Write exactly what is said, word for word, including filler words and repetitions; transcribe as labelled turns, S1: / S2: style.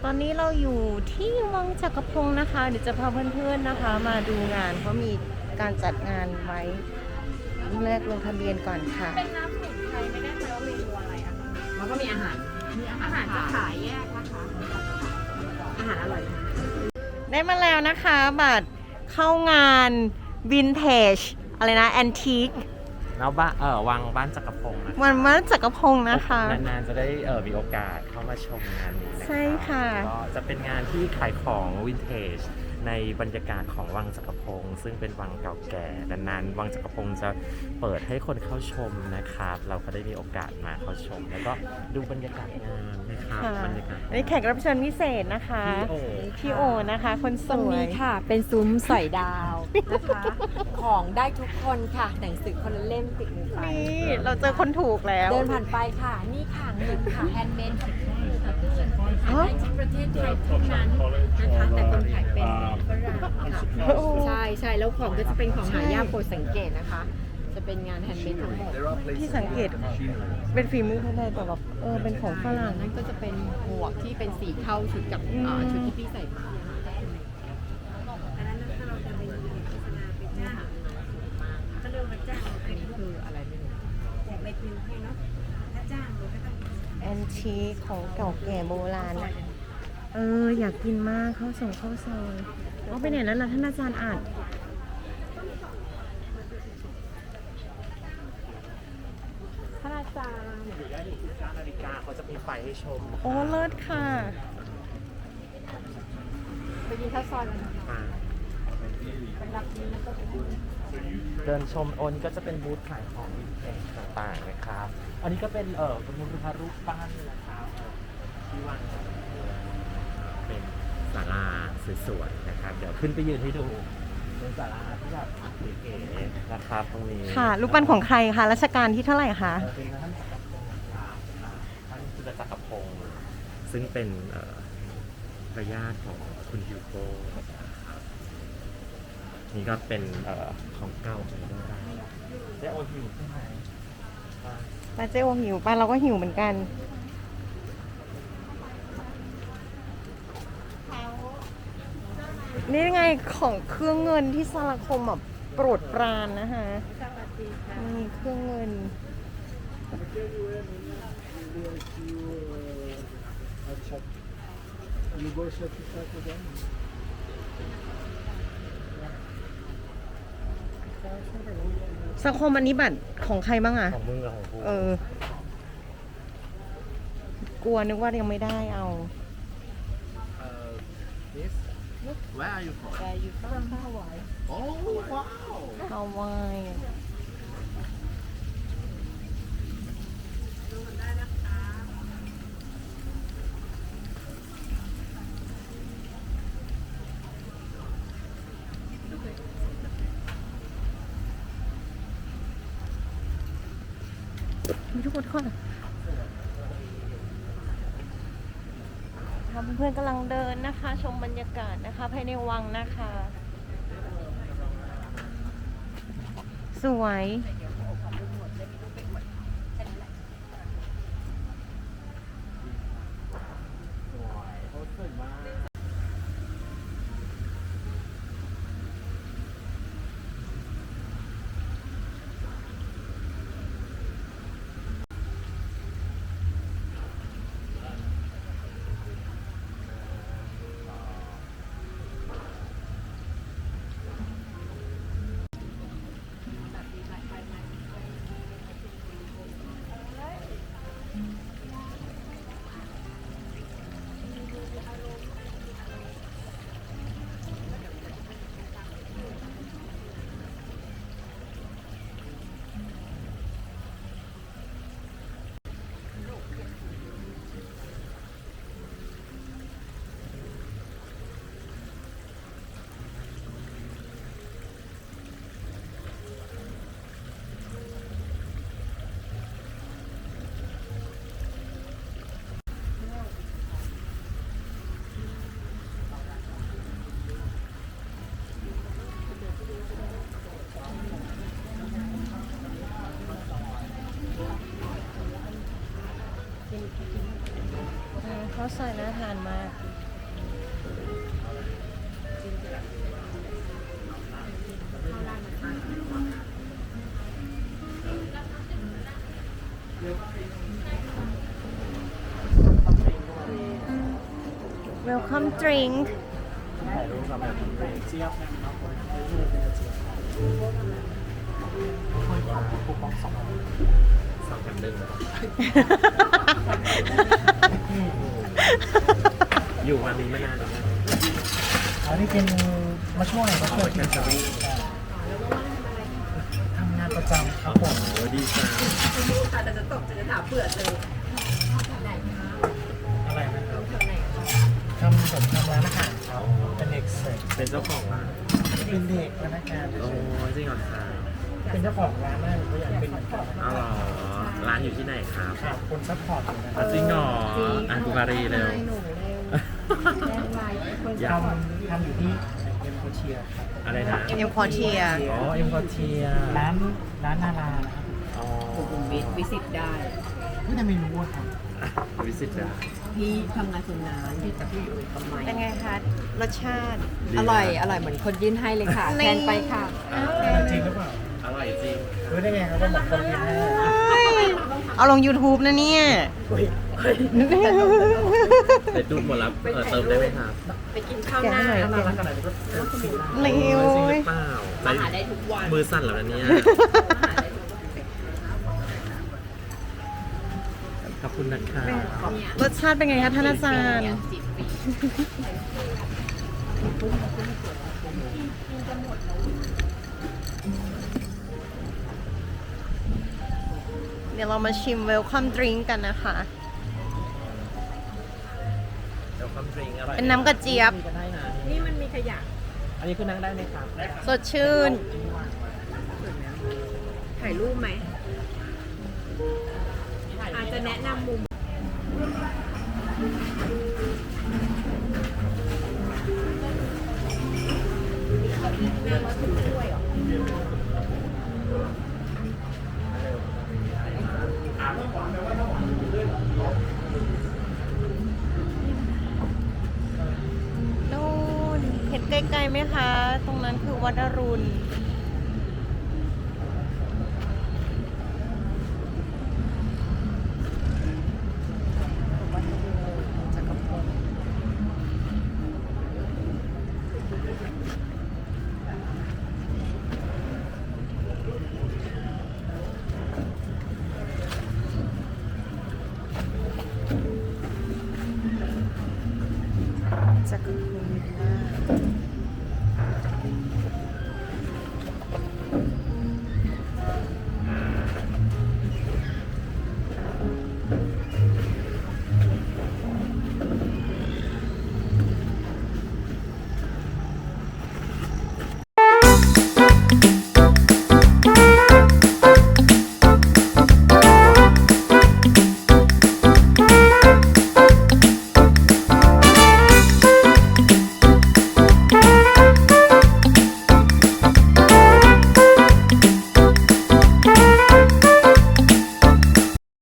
S1: ตอนนี้เราอยู่ที่วังจักรพงศ์นะคะเดี๋ยวจะพาเพื่อนๆนะคะ มาดูงานเขามีการจัดงานไว้แรกลงทะเบียนก่อนค่ะ
S2: เป็นน้ำสมุนไพรไม่แน่ใจว่าเมนูอะไรอะคะแล้วก็มีอาหาร มีอาหารจะขายแยกนะคะ อาหารอร่อยนะ
S1: ได้มาแล้วนะคะบัตรเข้างานวินเทจอะไรนะแอนทิค
S3: แล้วบ้านเออวังบ้านจักรพงศ์นะ
S1: วันวัดจักรพงศ์นะคะ
S3: นานๆจะได้เออมีโอกาสเข้ามาชมงานนี้นะ
S1: ใช่ค่ะ
S3: ก็จะเป็นงานที่ขายของวินเทจในบรรยากาศของวังจักรพงศ์ซึ่งเป็นวังเก่าแก่นานๆวังจักรพงศ์จะเปิดให้คนเข้าชมนะครับเราก็ได้มีโอกาสมาเข้าชม แล้วก็ดูบรรยากาศงานนะครับบรรยากาศ
S1: นี่แขกรับเชิญพิเศษนะคะพี่โอนะคะคนสวยตรงนี้
S2: ค่ะเป็นซุ้มสอยดาวนะคะของได้ทุกคนค่ะหนังสือคนละเล่มติดมือไป
S1: นี่เราเจอคนถูกแล้ว
S2: เดินผ่านไปค่ะนี่ค่ะเงินค่ะแฮนด์เมดขายได้ที่ประเทศไทยเท่านั้นนะคะแต่คนขายเป็นฝรั่งค่ะใช่ใช่แล้วของก็จะเป็นของหายากโปรดสังเกตนะคะจะเป็นงานแฮนด์เมดทั้งหมด
S1: ที่สังเกตเป็นฝีมือคนไทยแต่แบบเออเป็นของฝรั่ง
S2: นั่นก็จะเป็นหมวกที่เป็นสีเข้าชุดกับชุดที่พี่ใส่มาอันนั้นถ้าเราจะเป็นโฆษณาไปจ้างก็เรียกว่าจ้างอันนี้คืออะไรไม่รู้แจกใบปลิวให้เนาะถ้าจ้างเราก็ต้อง
S1: แอนทีของเก่าแก่โบราณนะเอออยากกินมากข้าวส่งข้าวซอยเอาไปไหนแล้วล่ะท่านอาจารย์อาจ
S2: ท่านอาจารย์
S3: อยู่ได้ถึงสิบเก้านาฬิกาเขาจะมีไฟให้ชม
S1: โอ้เลิศค่ะ
S2: ไปกินข้าวซอยกันเป็นรับนี้แล้วก็
S3: เดินชมโอนก็จะเป็นบูธขายของวินเทจต่างๆนะครับอันนี้ก็เป็นเออเป็นรูปปั้นนะครับที่วางเป็นศาลาสวยๆนะครับเดี๋ยวขึ้นไปยืนให้ดูเป็นศาลาที่แบบเก๋ๆนะครับตรงนี้
S1: ค่ะรูปปั้นของใครคะรัชกาลที่เท่าไหร่คะ
S3: เป็นท่านจักรพงศ์ท่านจุลจักรพงศ์ซึ่งเป็นพระญาติของคุณฮิวโก้นี่ก็เป็นของเก่าของโบราณเจ๊โอหิวใช่ไหม
S1: ป้าเจ๊โอหิวป้าเราก็หิวเหมือนกันนี่ไงของเครื่องเงินที่สารคมแบบโปรดปรานนะคะนี่เครื่องเงินสังคมอันนี้บัตรของใครบ้างอะ
S3: ของมึงกับของกู
S1: เออกลัวนึกว่ายังไม่ได้เอา
S3: Where are you from?
S2: Where are you from? Hawaii.
S3: Oh wow.
S1: Hawaii. มีทุกคนค่ะเพื่อนๆกำลังเดินนะคะชมบรรยากาศนะคะภายในวังนะคะสวยอืมข้าวซอยน่าทานมาก Welcome drink
S3: ถ่ายรูปกับแบบเจี๊ยบนะครับผมค่อยของคูปองสองสองแถมหนึ่งอยู่วันนี้มานานแล้วอันนี้เป็นมาช่วยมาช่วยแคนเซอรี่ทำงานประจำครับผมโอ้ดีจัง
S2: ค่ะแต่จะตกจะถามเผื่อเลยไหนคะ
S3: อะไรนะครับ
S2: แถวไหนคะ
S3: ทำผมทำร้านอาหารครับเป็นเด็กเสิร์ฟเป็นเจ้าของร้านเป็นเด็กพนักงานโอ้จริงเหรอคะเป็นเจ้าของร้านนั่นก็อยากเป็นเหมือนกันอ๋อเหรอร้านอยู่ที่ไหนครับครับคนซัพพอร์ตอยู่นะจริงเหรออ่ะกูมารีเร็ว
S2: หนูเร็วแรงไลน์คน
S3: ทำทำอยู่ที่เอ็มโคเชียครับอะไรนะ
S1: เอ็มควอเทีย
S3: อ๋อเอ็มโคเชียร้านร้านนารานะครับอ๋อ
S2: สุขุมวิทวิสิตได้
S3: ไม่ทำไมรู้อะครับวิสิตได้
S2: พี่ทำงานส่วนนานที่จะพี่อยู่ทำไม
S1: เป็นไงคะ รสชาติ
S2: อร่อย อร่อยเหมือนคนยื่นให้เลยค่ะ
S1: นี่
S2: แทนไปค่ะ
S3: จริงหรือเปล่าอร่อยจริงรู้ได้ไงครับว่าหมดคนกินให้
S1: เอาลง YouTube นะเนี่ย
S3: ไปดูหมดแล้วเออเติมได้ไหมครับ
S2: ไปกินข้าวหน้า
S1: แกะให้หน่อย
S3: ถ้าน่ารักขนาดนี้ก็
S1: เร็ว
S3: จริงหรือเปล่า
S2: มาหาได้ทุกวัน
S3: มือสั่นแล้วนะเนี่ยขอบคุณนะคะ
S1: รสชาติเป็นไงคะท่านอาจารย์
S2: จิบปี
S1: เดี๋ยวเรามาชิม Welcome Drink กันนะคะ
S3: เดี๋ยวความดริงอร่อย
S1: เป็นน้ำกระเจี๊ยบ
S3: ก็ได้นะ
S2: นี่มันมีขยะ
S3: อันนี้คือนั่งได้ไหมครับได้ครับ
S1: สดชื่น
S2: ถ่ายรูปไหม อาจจะแนะนำมุม
S1: นู่นเห็นไกลๆไหมคะ ตรงนั้นคือวัดอรุณ จักรพรรดิวิลล่า